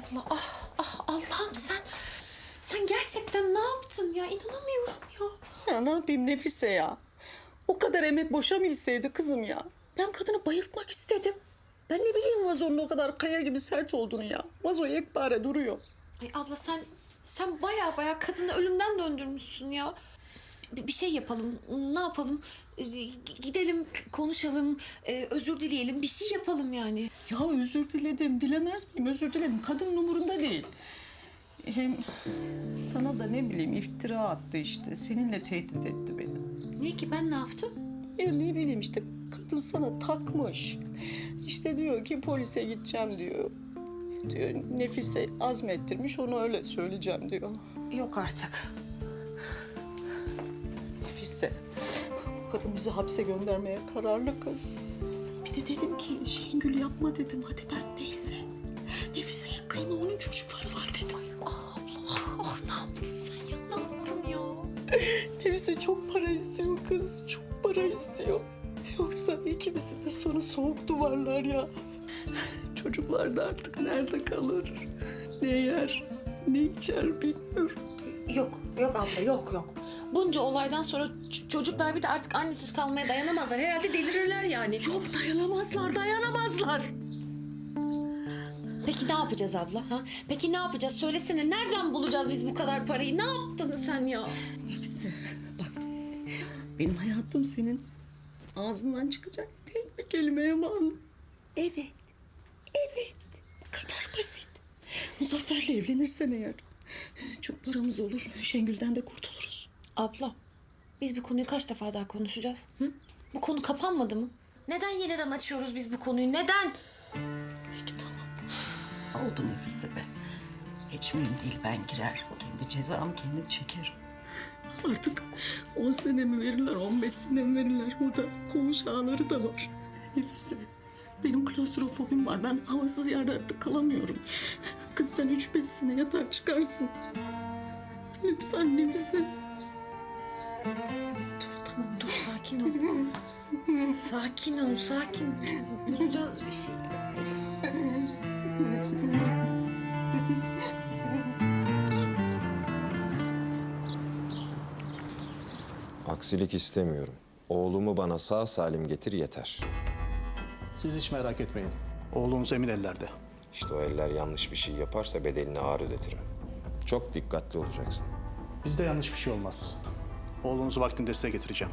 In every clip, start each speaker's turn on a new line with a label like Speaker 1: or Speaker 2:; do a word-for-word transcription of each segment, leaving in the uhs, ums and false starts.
Speaker 1: abla, ah ah Allah'ım sen... Sen gerçekten ne yaptın ya? İnanamıyorum ya.
Speaker 2: Ya ne yapayım Nefise ya? O kadar emek boşa mı gitseydi kızım ya? Ben kadını bayıltmak istedim. Ben ne bileyim vazonun o kadar kaya gibi sert olduğunu ya. Vazo yekpare duruyor.
Speaker 1: Ay abla sen sen baya baya kadını ölümden döndürmüşsün ya. Bir, bir şey yapalım. Ne yapalım? Ee, gidelim, konuşalım, ee, özür dileyelim. Bir şey yapalım yani.
Speaker 2: Ya özür diledim, dilemez miyim? Özür diledim. Kadının umurunda değil. Hem sana da ne bileyim iftira attı işte. Seninle tehdit etti beni.
Speaker 1: Ne ki ben ne yaptım?
Speaker 2: Ya ne bileyim işte kadın sana takmış. İşte diyor ki polise gideceğim diyor. Diyor Nefise azmettirmiş onu öyle söyleyeceğim diyor.
Speaker 1: Yok artık.
Speaker 2: Nefise, bu kadın bizi hapse göndermeye kararlı kız. Bir de dedim ki Şengül yapma dedim. Hadi ben neyse. Nefiseye kıyma onun çocukları var dedim.
Speaker 1: Ah abla, ah ne yaptın sen ya? Ne yaptın ya?
Speaker 2: Nefise çok para istiyor kız. Çok para istiyor. Yoksa ikimizin de sonu soğuk duvarlar ya. Çocuklar da artık nerede kalır? Ne yer, ne içer bilmiyorum.
Speaker 1: Yok, yok abla, yok yok. Bunca olaydan sonra ç- çocuklar bir de artık annesiz kalmaya dayanamazlar. Herhalde delirirler yani.
Speaker 2: Yok dayanamazlar, dayanamazlar.
Speaker 1: Peki ne yapacağız abla? Ha? Peki ne yapacağız? Söylesene nereden bulacağız biz bu kadar parayı? Ne yaptın sen ya?
Speaker 2: Nefise bak benim hayatım senin ağzından çıkacak tek bir kelimeye bağlı. Evet, evet. Bu kadar basit. Muzaffer'le evlenirsen eğer çok paramız olur. Şengül'den de kurtuluruz.
Speaker 1: Abla, biz bu konuyu kaç defa daha konuşacağız? Hı? Bu konu kapanmadı mı? Neden yeniden açıyoruz biz bu konuyu? Neden?
Speaker 2: Peki tamam. Oldu Nefise be. Hiç mühim değil ben girer. Kendi cezamı kendim çekerim. Artık on sene mi verirler, on beş sene mi verirler? Burada koğuş ağları da var. Nefise, benim klostrofobim var. Ben havasız yerde artık kalamıyorum. Kız sen üç beş sene yatar çıkarsın. Lütfen Nefise.
Speaker 1: Dur tamam dur sakin ol. Sakin ol sakin. Bulacağız bir şey.
Speaker 3: Aksilik istemiyorum. Oğlumu bana sağ salim getir yeter.
Speaker 4: Siz hiç merak etmeyin. Oğlunuz emin ellerde.
Speaker 3: İşte o eller yanlış bir şey yaparsa bedelini ağır ödetirim. Çok dikkatli olacaksın.
Speaker 4: Bizde yanlış bir şey olmaz. Oğlunuzu vaktinde size getireceğim.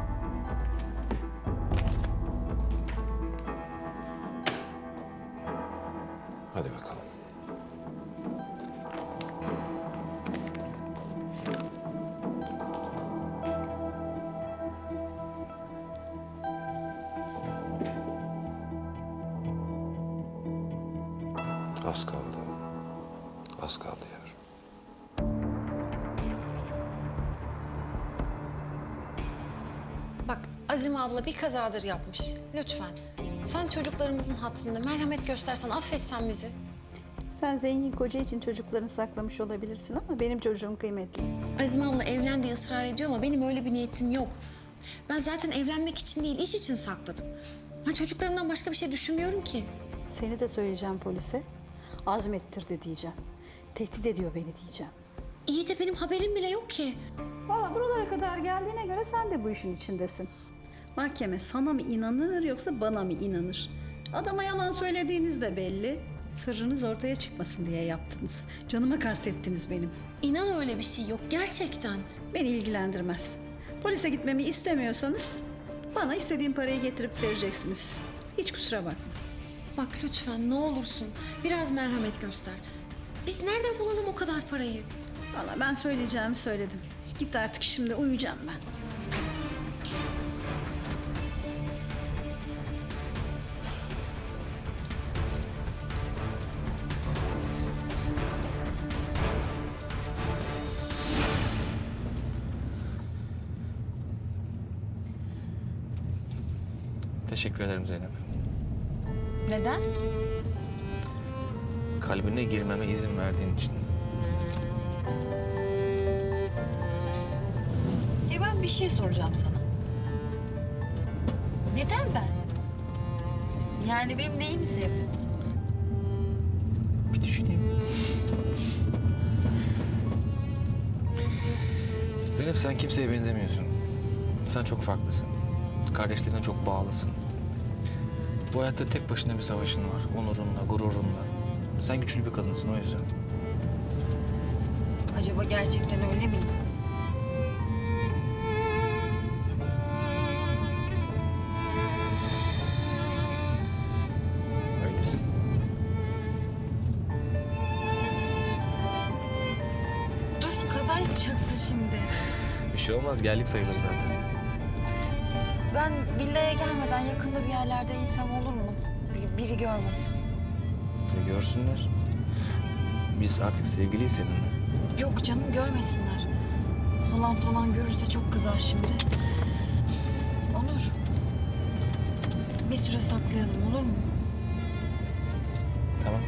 Speaker 3: Hadi bakalım. Az kaldı. Az kaldı yavrum.
Speaker 1: Bak Azime abla bir kazadır yapmış. Lütfen. Sen çocuklarımızın hatırında merhamet göstersen, affetsen bizi.
Speaker 5: Sen zengin koca için çocuklarını saklamış olabilirsin ama benim çocuğum kıymetli.
Speaker 1: Azime abla evlen diye ısrar ediyor ama benim öyle bir niyetim yok. Ben zaten evlenmek için değil, iş için sakladım. Ben çocuklarımdan başka bir şey düşünmüyorum ki.
Speaker 5: Seni de söyleyeceğim polise. Azmettirdi diyeceğim. Tehdit ediyor beni diyeceğim.
Speaker 1: İyi de benim haberim bile yok ki.
Speaker 5: Valla buralara kadar geldiğine göre sen de bu işin içindesin. Mahkeme sana mı inanır yoksa bana mı inanır? Adama yalan söylediğiniz de belli. Sırrınız ortaya çıkmasın diye yaptınız. Canıma kastettiniz benim.
Speaker 1: İnan öyle bir şey yok gerçekten.
Speaker 5: Beni ilgilendirmez. Polise gitmemi istemiyorsanız bana istediğim parayı getirip vereceksiniz. Hiç kusura bakma.
Speaker 1: Bak lütfen ne olursun biraz merhamet göster. Biz nereden bulalım o kadar parayı?
Speaker 5: Valla ben söyleyeceğimi söyledim. Git artık şimdi uyuyacağım ben.
Speaker 6: Teşekkür ederim Zeynep.
Speaker 1: Neden?
Speaker 6: Kalbine girmeme izin verdiğin için.
Speaker 7: E ben bir şey soracağım sana. Neden ben? Yani benim neyimi sevdin?
Speaker 6: Bir düşüneyim. Zeynep sen kimseye benzemiyorsun. Sen çok farklısın. Kardeşlerine çok bağlısın. Bu hayatta tek başına bir savaşın var. Onurunla, gururunla. Sen güçlü bir kadınsın o yüzden.
Speaker 7: Acaba gerçekten öyle miyim?
Speaker 6: Öylesin.
Speaker 7: Dur kaza yapacaksın şimdi.
Speaker 6: Bir şey olmaz, geldik sayılır zaten.
Speaker 7: Ben villaya gelmeden yakında bir yerlerde insem olur mu? Bir- Biri görmesin.
Speaker 6: Ve görsünler. Biz artık sevgiliyiz seninle.
Speaker 7: Yok canım görmesinler. Halam falan görürse çok kızar şimdi. Onur. Bir süre saklayalım olur mu?
Speaker 6: Tamam.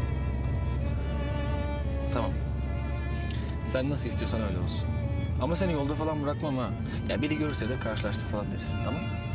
Speaker 6: Tamam. Sen nasıl istiyorsan öyle olsun. Ama seni yolda falan bırakmam ha. Ya biri görürse de karşılaştık falan deriz, tamam mı?